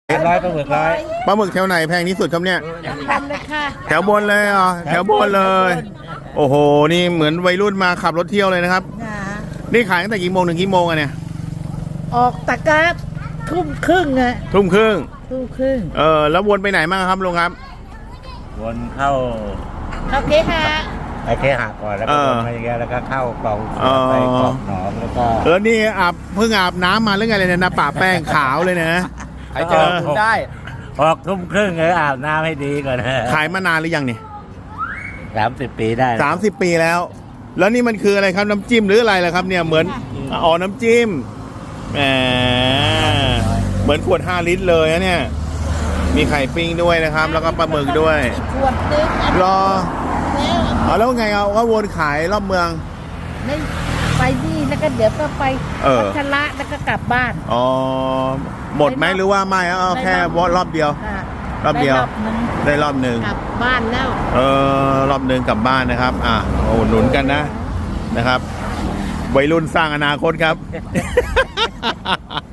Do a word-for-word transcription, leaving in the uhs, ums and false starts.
ร้อยปลาหมึกร้อยปลาหมึกแถวไหนแพงที่สุดครับเนี่ยทำเลยค่ะแถวบนเลยอ่ะแถวบนเลย โอ้โหนี่เหมือนวัยรุ่นมาขับรถเที่ยวเลยนะครับนะนี่ขายตั้งแต่กี่โมงถึงกี่โมงอะเนี่ยออกตะกร้าทุ่มครึ่งอะทุ่มครึ่งทุ่มครึ่งเออแล้ววนไปไหนบ้างครับลุงครับวนเข้าเขาเคหะไอเคหะก่อนแล้วก็วนมาอย่างเงี้ยแล้วก็เข้ากล่องอ๋อไปกล่องหนองแล้วก็เออนี่อาบเพิ่งอาบน้ำมาหรือไงเลยเนี่ยนะป่าแป้งขาวเลยนะใครเจอคุณได้ออกทุ่มครึ่งเลยอาบน้ำให้ดีก่อนนะขายมานานหรือยังเนี่ยสามสิบปีได้สามสิบปีแล้ว แล้วนี่มันคืออะไรครับน้ำจิ้มหรืออะไรล่ะครับเนี่ยเหมือนอ๋อน้ำจิ้มแหมเหมือนขวดห้าลิตรเลยนะเนี่ยมีไข่ปิ้งด้วยนะครับ แล้วก็ปลาหมึกด้วยอีกขวดนึงอันรอแล้วอ๋อแล้วไงเอาก็วนขายรอบเมืองไม่ไปนี่แล้วก็เดี๋ยวก็ไปเออพัชระแล้วก็กลับบ้านอ๋อหมดไหมหรือว่าไม่เอาแค่วอรอบเดียวค่ะรอบเดียวไรอบนึงได้รอบหนึ่งกลับบ้านแล้วเออรอบหนึ่งกลับบ้านนะครับ อ่ะมาอุดหนุนกันนะนะครับวัยรุ่นสร้างอนาคตครับ